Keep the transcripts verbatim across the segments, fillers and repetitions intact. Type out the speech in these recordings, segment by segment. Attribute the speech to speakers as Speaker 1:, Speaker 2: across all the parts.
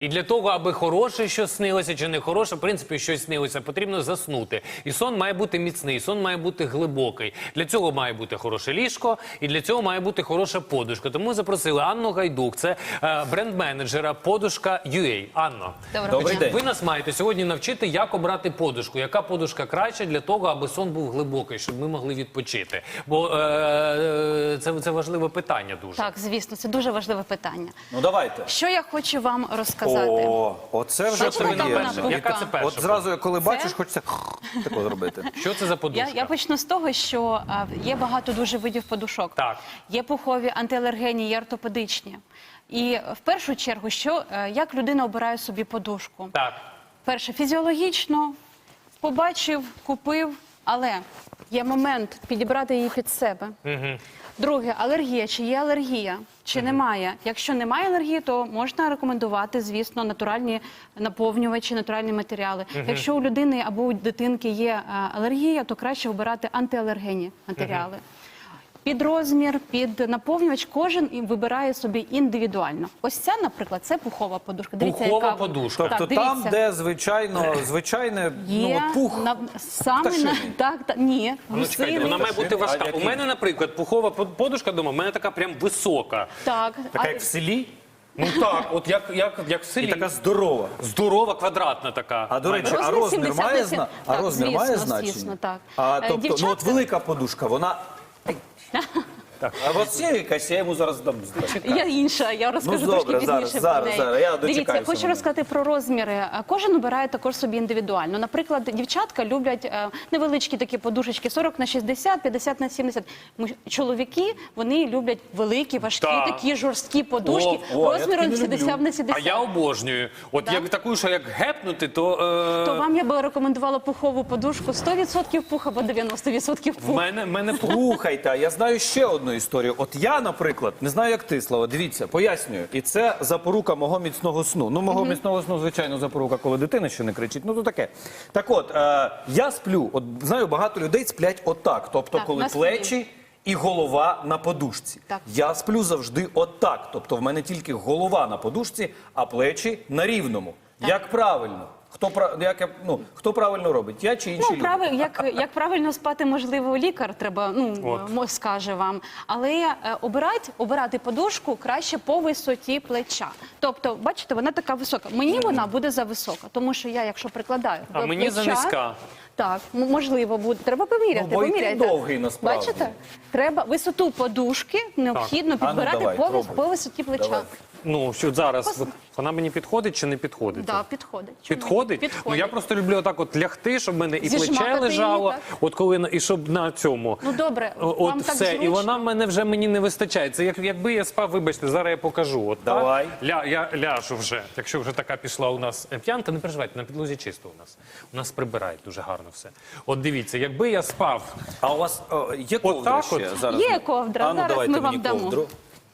Speaker 1: І для того, аби хороше щось снилося чи не хороше, в принципі, щось снилося, потрібно заснути. І сон має бути міцний, сон має бути глибокий. Для цього має бути хороше ліжко, і для цього має бути хороша подушка. Тому ми запросили Анну Гайдук, це е, бренд-менеджера подушка ю ей. Анно,
Speaker 2: Добрий день.
Speaker 1: ви нас маєте сьогодні навчити, як обрати подушку. Яка подушка краще для того, аби сон був глибокий, щоб ми могли відпочити. Бо е, е, це, це важливе питання дуже.
Speaker 3: Так, звісно, це дуже важливе питання.
Speaker 2: Ну давайте.
Speaker 3: Що я хочу вам розказати?
Speaker 2: О, оце вже
Speaker 3: Що це
Speaker 2: приємно.
Speaker 3: вона була?
Speaker 1: Яка це перша?
Speaker 2: От зразу, коли бачиш,
Speaker 3: Це?
Speaker 2: хочеться тако зробити.
Speaker 1: Що це за подушка?
Speaker 3: Я, я почну з того, що а, є багато дуже видів подушок.
Speaker 1: Так.
Speaker 3: Є пухові, антиалергенні, є ортопедичні. І в першу чергу, що, е, як людина обирає собі подушку?
Speaker 1: Так.
Speaker 3: Перше, фізіологічно, побачив, купив, але є момент підібрати її під себе.
Speaker 1: Угу.
Speaker 3: Друге, алергія. Чи є алергія, чи uh-huh. немає. Якщо немає алергії, то можна рекомендувати, звісно, натуральні наповнювачі, натуральні матеріали. Uh-huh. Якщо у людини або у дитинки є а, алергія, то краще обирати антиалергенні матеріали. Uh-huh. Під розмір, під наповнювач кожен вибирає собі індивідуально. Ось ця, наприклад, це пухова подушка. Дивіться,
Speaker 1: Пухова
Speaker 3: яка...
Speaker 1: подушка.
Speaker 2: Тобто
Speaker 3: так,
Speaker 2: там,
Speaker 3: дивіться.
Speaker 2: де звичайно, звичайне,
Speaker 3: Є,
Speaker 2: ну, от пух
Speaker 3: на, саме на,
Speaker 2: пташиний.
Speaker 3: так, так, ні,
Speaker 1: Ну, чекайте,
Speaker 3: гусиний.
Speaker 1: вона має бути важка.
Speaker 2: А
Speaker 1: У
Speaker 2: який?
Speaker 1: мене, наприклад, пухова подушка дома, у мене така прям висока.
Speaker 3: Так,
Speaker 2: Така,
Speaker 3: а-
Speaker 2: як в селі,
Speaker 1: Ну так, от як, як, як в
Speaker 2: і
Speaker 1: селі.
Speaker 2: така здорова.
Speaker 1: Здорова, квадратна така.
Speaker 2: А до речі, а
Speaker 3: Розмір
Speaker 2: розмір
Speaker 3: сімдесят
Speaker 2: має,
Speaker 3: на сім-
Speaker 2: зна... а
Speaker 3: Так,
Speaker 2: розмір
Speaker 3: звісно,
Speaker 2: має значення?
Speaker 3: звісно, так.
Speaker 2: А,
Speaker 3: Е,
Speaker 2: тобто, ну от
Speaker 3: дівчатка-
Speaker 2: велика подушка, вона... А от є якась, я йому зараз дам.
Speaker 3: Я інша, я розкажу
Speaker 2: Ну, добре,
Speaker 3: трошки
Speaker 2: зараз,
Speaker 3: пізніше
Speaker 2: зараз,
Speaker 3: про неї.
Speaker 2: зараз, я
Speaker 3: Дивіться,
Speaker 2: дочекаюся
Speaker 3: хочу
Speaker 2: моменту.
Speaker 3: розказати про розміри. Кожен обирає також собі індивідуально. Наприклад, дівчатка люблять е, невеличкі такі подушечки сорок на шістдесят, п'ятдесят на сімдесят. Ми- Чоловіки, вони люблять великі, важкі,
Speaker 1: Так.
Speaker 3: такі жорсткі подушки
Speaker 2: О, о, я
Speaker 3: розміром
Speaker 2: такі не
Speaker 3: сімдесят
Speaker 2: люблю.
Speaker 3: на
Speaker 1: А
Speaker 3: сімдесят.
Speaker 1: я обожнюю. От
Speaker 3: Да?
Speaker 1: як таку, що як гепнути, то... Е...
Speaker 3: То вам я би рекомендувала пухову подушку сто відсотків пух або дев'яносто відсотків
Speaker 1: В
Speaker 3: пух.
Speaker 1: мене, в мене пух.
Speaker 2: Слухайте, я знаю ще одну історію. От я, наприклад, не знаю, як ти, Слава, дивіться, пояснюю. І це запорука мого міцного сну. Ну, мого міцного сну, звичайно, запорука, коли дитина ще не кричить. Ну, то таке. Так от, е, я сплю, от знаю, багато людей сплять отак. Тобто,
Speaker 3: Так,
Speaker 2: коли
Speaker 3: на спині.
Speaker 2: плечі і голова на подушці.
Speaker 3: Так.
Speaker 2: Я сплю завжди отак. Тобто, в мене тільки голова на подушці, а плечі на рівному. Як правильно? Хто, пра- як, я- ну, хто правильно робить? Я чи інші
Speaker 3: Ну,
Speaker 2: люди?
Speaker 3: правиль, як, як правильно спати, можливо, лікар треба, ну,
Speaker 1: От.
Speaker 3: мо- скаже вам. Але е, обирати, обирати подушку краще по висоті плеча. Тобто, бачите, вона така висока. Мені вона буде зависока, тому що я, якщо прикладаю
Speaker 1: А
Speaker 3: до
Speaker 1: мені
Speaker 3: плеча,
Speaker 1: занизька.
Speaker 3: Так, м- можливо, буде. Треба поміряти.
Speaker 2: Ну, бо і ти
Speaker 3: поміряйте.
Speaker 2: довгий, насправді.
Speaker 3: Бачите? Треба висоту подушки необхідно
Speaker 2: А ну,
Speaker 3: підбирати
Speaker 2: давай,
Speaker 3: по, вис-
Speaker 2: пробуй.
Speaker 3: по висоті плеча.
Speaker 2: Давай.
Speaker 1: Ну, що зараз, от вона мені підходить чи не підходить?
Speaker 3: Да, підходить. Чому ні?
Speaker 1: Підходить?
Speaker 3: Підходить.
Speaker 1: Ну, я просто люблю отак от лягти, щоб в мене і
Speaker 3: Зіжмакати
Speaker 1: плече
Speaker 3: її,
Speaker 1: лежало,
Speaker 3: так?
Speaker 1: от коли, на- і щоб на цьому.
Speaker 3: Ну, добре,
Speaker 1: О,
Speaker 3: вам
Speaker 1: От
Speaker 3: так
Speaker 1: все, і
Speaker 3: зручно?
Speaker 1: вона в мене вже мені не вистачає. Це як, якби я спав, вибачте, зараз я покажу. От, так?
Speaker 2: Давай.
Speaker 1: Ля, я ляжу вже, якщо вже така пішла у нас е, п'янка, не переживайте, на підлозі чисто у нас. У нас прибирають дуже гарно все. От дивіться, якби я спав,
Speaker 2: А у вас о, є ковдра
Speaker 1: Отак
Speaker 2: ще?
Speaker 1: от?
Speaker 2: Зараз.
Speaker 3: Є ковдра,
Speaker 2: А ну,
Speaker 3: зараз
Speaker 2: давайте
Speaker 3: ми
Speaker 2: мені
Speaker 3: вам дамо.
Speaker 2: ковдру.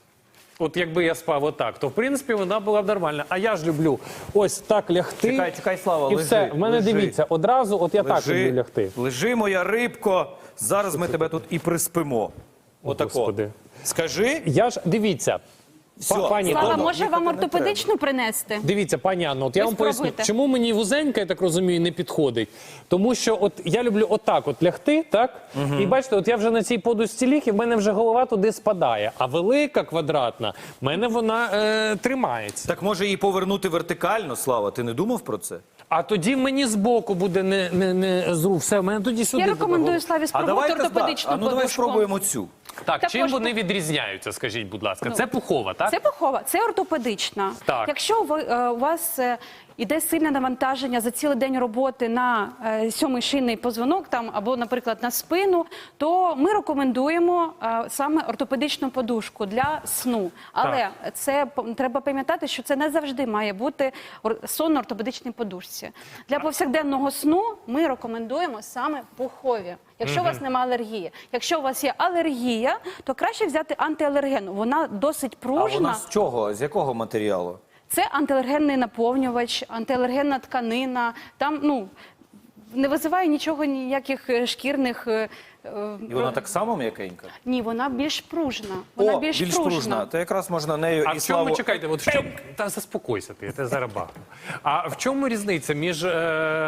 Speaker 1: от якби я спав отак, то в принципі вона була б нормальна. А я ж люблю ось так лягти.
Speaker 2: Чекай, чекай, Слава,
Speaker 1: і
Speaker 2: лежи,
Speaker 1: все. В мене
Speaker 2: лежи.
Speaker 1: дивіться, одразу, от я так люблю лягти.
Speaker 2: лежи, моя рибко. Зараз ми тебе тут і приспимо. Отако.
Speaker 1: Господи.
Speaker 2: Скажи.
Speaker 1: Я ж дивіться,
Speaker 2: Все.
Speaker 1: па- пані
Speaker 3: Слава,
Speaker 1: Анно,
Speaker 3: може
Speaker 2: їхати
Speaker 3: вам
Speaker 2: не
Speaker 3: ортопедичну принести?
Speaker 1: дивіться, пані Анно, от я
Speaker 3: Ви
Speaker 1: вам поясню,
Speaker 3: спробуйте.
Speaker 1: чому мені вузенька, я так розумію, не підходить. Тому що от я люблю отак от лягти, так? І бачите, от я вже на цій подушці ліг, і в мене вже голова туди спадає. А велика, квадратна, в мене вона е, тримається.
Speaker 2: Так може її повернути вертикально, Слава? Ти не думав про це?
Speaker 1: А тоді мені збоку буде не, не, не зру. Все, в мене тоді сюди.
Speaker 3: Я
Speaker 1: буде
Speaker 3: рекомендую
Speaker 1: голова.
Speaker 3: Славі
Speaker 2: А
Speaker 3: спробувати
Speaker 2: давайте
Speaker 3: ортопедичну
Speaker 2: а ну давай
Speaker 3: подушку.
Speaker 2: спробуємо цю.
Speaker 1: Так,
Speaker 3: Також
Speaker 1: чим вони
Speaker 3: пу-
Speaker 1: відрізняються, скажіть, будь ласка? Це пухова, так?
Speaker 3: Це пухова, це ортопедична.
Speaker 1: Так.
Speaker 3: Якщо ви, е, у вас е, іде сильне навантаження за цілий день роботи на е, сьомий шийний позвонок там, або, наприклад, на спину, то ми рекомендуємо е, саме ортопедичну подушку для сну. Але це п- треба пам'ятати, що це не завжди має бути ор- сон на ортопедичній подушці. Для повсякденного сну ми рекомендуємо саме пухові. Якщо у вас немає алергії. Якщо у вас є алергія, то краще взяти антиалергенну. Вона досить
Speaker 2: А
Speaker 3: пружна.
Speaker 2: вона з чого? З якого матеріалу?
Speaker 3: Це антиалергенний наповнювач, антиалергенна тканина. Там, ну, не визиває нічого, ніяких е, шкірних е,
Speaker 2: І вона так само м'якенька?
Speaker 3: Ні, вона більш пружна. Вона
Speaker 2: О,
Speaker 3: більш,
Speaker 2: більш
Speaker 3: пружна.
Speaker 2: пружна. То якраз можна нею
Speaker 1: А
Speaker 2: і
Speaker 1: в чому,
Speaker 2: славу...
Speaker 1: чекайте, от в чому, та заспокойся ти, я тебе зараз бахну. А в чому різниця між е,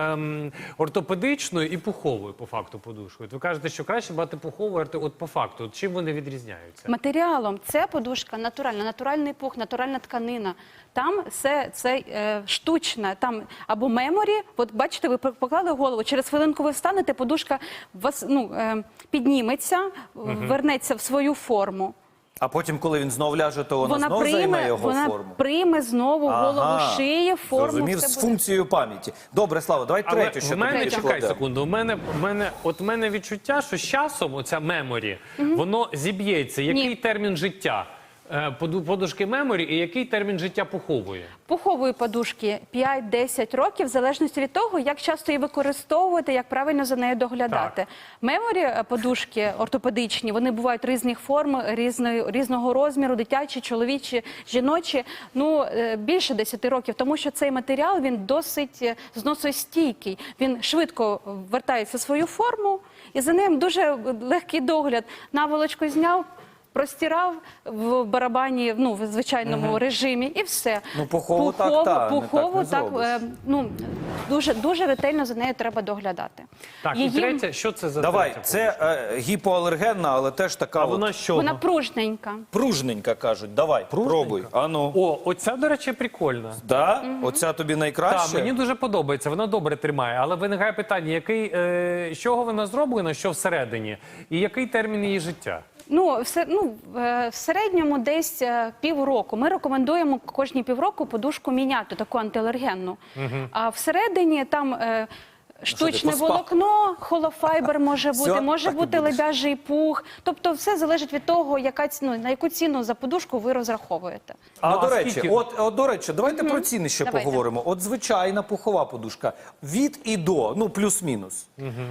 Speaker 1: м, ортопедичною і пуховою, по факту, подушкою? От ви кажете, що краще брати пухову, орто- от по факту, от чим вони відрізняються?
Speaker 3: Матеріалом це подушка натуральна, натуральний пух, натуральна тканина. Там все це е, штучне, там або меморі. От бачите, ви поклали голову, через хвилинку ви встанете, подушка вас ну е, підніметься, вернеться в свою форму.
Speaker 2: А потім, коли він знов ляже, то вона,
Speaker 3: Вона
Speaker 2: знов займе
Speaker 3: прийме,
Speaker 2: його
Speaker 3: вона
Speaker 2: форму.
Speaker 3: прийме знову голову шиї, форму.
Speaker 2: Зрозумів,
Speaker 3: все
Speaker 2: з
Speaker 3: буде.
Speaker 2: функцією пам'яті. Добре, Слава, давай
Speaker 1: Але
Speaker 2: третю ще
Speaker 1: в мене,
Speaker 2: таку
Speaker 1: чекай
Speaker 2: покладемо.
Speaker 1: секунду, у мене, в мене, от в мене відчуття, що з часом оця меморі, воно зіб'ється. Який
Speaker 3: Ні.
Speaker 1: термін життя е, поду- подушки меморі і який термін життя пухової?
Speaker 3: Пухової подушки п'ять-десять років, в залежності від того, як часто її використовувати, як правильно за нею доглядати.
Speaker 1: Так.
Speaker 3: Меморі е, подушки ортопедичні, вони бувають різних форм, різної, різного розміру, дитячі, чоловічі, жіночі, ну, е, більше десяти років, тому що цей матеріал, він досить е, зносостійкий, він швидко вертається в свою форму, і за ним дуже легкий догляд. Наволочку зняв, простирав в барабані, ну, в звичайному режимі, і все.
Speaker 2: Ну, пухову так, та, не
Speaker 3: пухову,
Speaker 2: так не
Speaker 3: так, е, ну, дуже, дуже ретельно за нею треба доглядати.
Speaker 1: Так, і
Speaker 3: Її-
Speaker 1: третє, що це за
Speaker 2: Давай,
Speaker 1: третя
Speaker 2: це е, гіпоалергенна, але теж така
Speaker 1: А
Speaker 2: от
Speaker 1: вона що?
Speaker 3: Вона пружненька.
Speaker 2: пружненька, кажуть. Давай, пробуй. Ану.
Speaker 1: О, оця, до речі, прикольна.
Speaker 2: Да? Оця тобі найкраще?
Speaker 1: Так, мені дуже подобається, вона добре тримає. Але виникає питання, який, е, з чого вона зроблена, що всередині, і який термін її життя?
Speaker 3: Ну, все, ну, е, в середньому десь е, півроку. Ми рекомендуємо кожні півроку подушку міняти, таку антиалергенну. А всередині там е, штучне
Speaker 2: поспав?
Speaker 3: волокно, холофайбер може бути,
Speaker 2: Всьо,
Speaker 3: може
Speaker 2: так і
Speaker 3: бути
Speaker 2: будеш.
Speaker 3: лебяжий пух. Тобто все залежить від того, яка, ці- ну, на яку ціну за подушку ви розраховуєте.
Speaker 2: А,
Speaker 1: Ну,
Speaker 2: до
Speaker 1: а
Speaker 2: речі,
Speaker 1: скільки?
Speaker 2: от, от, до речі, давайте про ціни ще
Speaker 3: Давайте.
Speaker 2: поговоримо. От звичайна пухова подушка. Від і до, ну, плюс-мінус.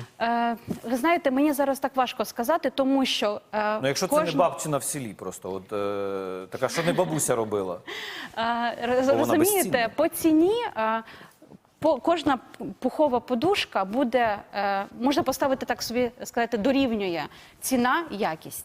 Speaker 3: Е, ви знаєте, мені зараз так важко сказати, тому що е,
Speaker 2: Ну, якщо це
Speaker 3: кожна-
Speaker 2: не бабчина в селі просто, от, е, така, що не бабуся робила.
Speaker 3: Е, роз-
Speaker 2: Бо вона
Speaker 3: Розумієте,
Speaker 2: безцінна.
Speaker 3: по ціні е, по, кожна пухова подушка буде, е, можна поставити так собі сказати, дорівнює ціна, якість.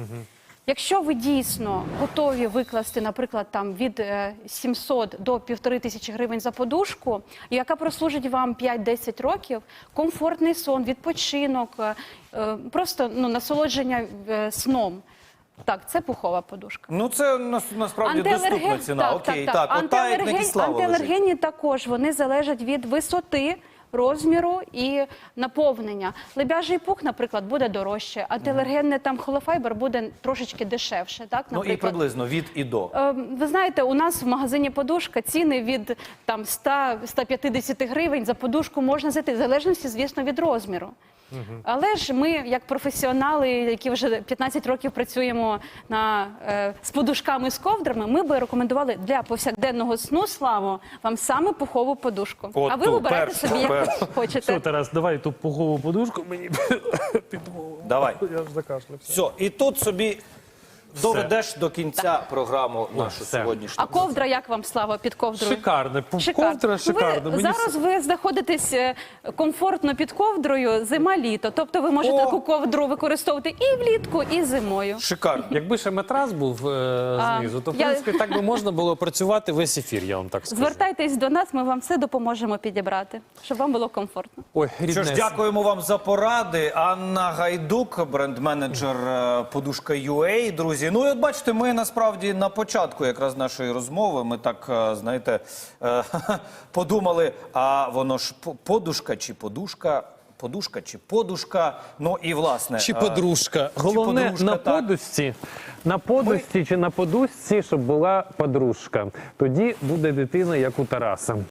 Speaker 3: Якщо ви дійсно готові викласти, наприклад, там від е, сімсот до півтори тисячі гривень за подушку, яка прослужить вам п'ять-десять років, комфортний сон, відпочинок, е, е, просто ну, насолодження е, сном. Так, це пухова подушка.
Speaker 2: Ну, це нас- насправді доступна ціна.
Speaker 3: Так,
Speaker 2: Окей,
Speaker 3: так,
Speaker 2: так,
Speaker 3: так.
Speaker 2: от та, як на
Speaker 3: Антиалерген-
Speaker 2: Кислава лежить.
Speaker 3: Антиалергенні також, вони залежать від висоти, розміру і наповнення. Лебяжий пух, наприклад, буде дорожче, антиалергенний там холофайбер буде трошечки дешевше. Так,
Speaker 2: Ну, і
Speaker 3: наприклад.
Speaker 2: приблизно від і до.
Speaker 3: Е, Ви знаєте, у нас в магазині подушка ціни від там сто-сто п'ятдесят гривень за подушку можна знайти, в залежності, звісно, від розміру. Але ж ми, як професіонали, які вже п'ятнадцять років працюємо на, е, з подушками, з ковдрами, ми би рекомендували для повсякденного сну, Славо, вам саме пухову подушку.
Speaker 2: От
Speaker 3: а ви
Speaker 2: ту,
Speaker 3: вибирайте
Speaker 2: першу,
Speaker 3: собі, яку
Speaker 2: першу.
Speaker 3: хочете.
Speaker 1: Все, Тарас, давай ту пухову подушку мені під голову.
Speaker 2: Давай.
Speaker 1: Я ж закашлявся.
Speaker 2: Все, і тут собі доведеш до кінця програму нашу
Speaker 1: все.
Speaker 2: сьогоднішню.
Speaker 3: А ковдра, як вам, Слава, під ковдрою?
Speaker 1: Шикарне.
Speaker 3: Шикарно.
Speaker 1: Ковдра
Speaker 3: Ну,
Speaker 1: шикарна.
Speaker 3: Ви,
Speaker 1: Мені
Speaker 3: зараз ви знаходитесь е, комфортно під ковдрою зима-літо. Тобто ви можете
Speaker 2: О!
Speaker 3: таку ковдру використовувати і влітку, і зимою.
Speaker 2: Шикарно.
Speaker 1: Якби ще матрас був е,
Speaker 3: А,
Speaker 1: знизу, то в
Speaker 3: я-
Speaker 1: принципі так би можна було працювати весь ефір, я вам так скажу.
Speaker 3: Звертайтесь до нас, ми вам все допоможемо підібрати, щоб вам було комфортно.
Speaker 1: Ой,
Speaker 2: Що ж,
Speaker 1: ріднесенько.
Speaker 2: дякуємо вам за поради. Анна Гайдук, бренд-менеджер е, подушка ю ей, друзі. Ну і от бачите, ми насправді на початку якраз нашої розмови, ми так, е, знаєте, е, подумали, а воно ж по- подушка чи подушка, подушка чи подушка, ну і власне.
Speaker 1: Чи
Speaker 2: е,
Speaker 1: подружка. Головне,
Speaker 2: подружка,
Speaker 1: на
Speaker 2: так.
Speaker 1: подушці, на подушці чи на подушці, щоб була подружка. Тоді буде дитина, як у Тараса.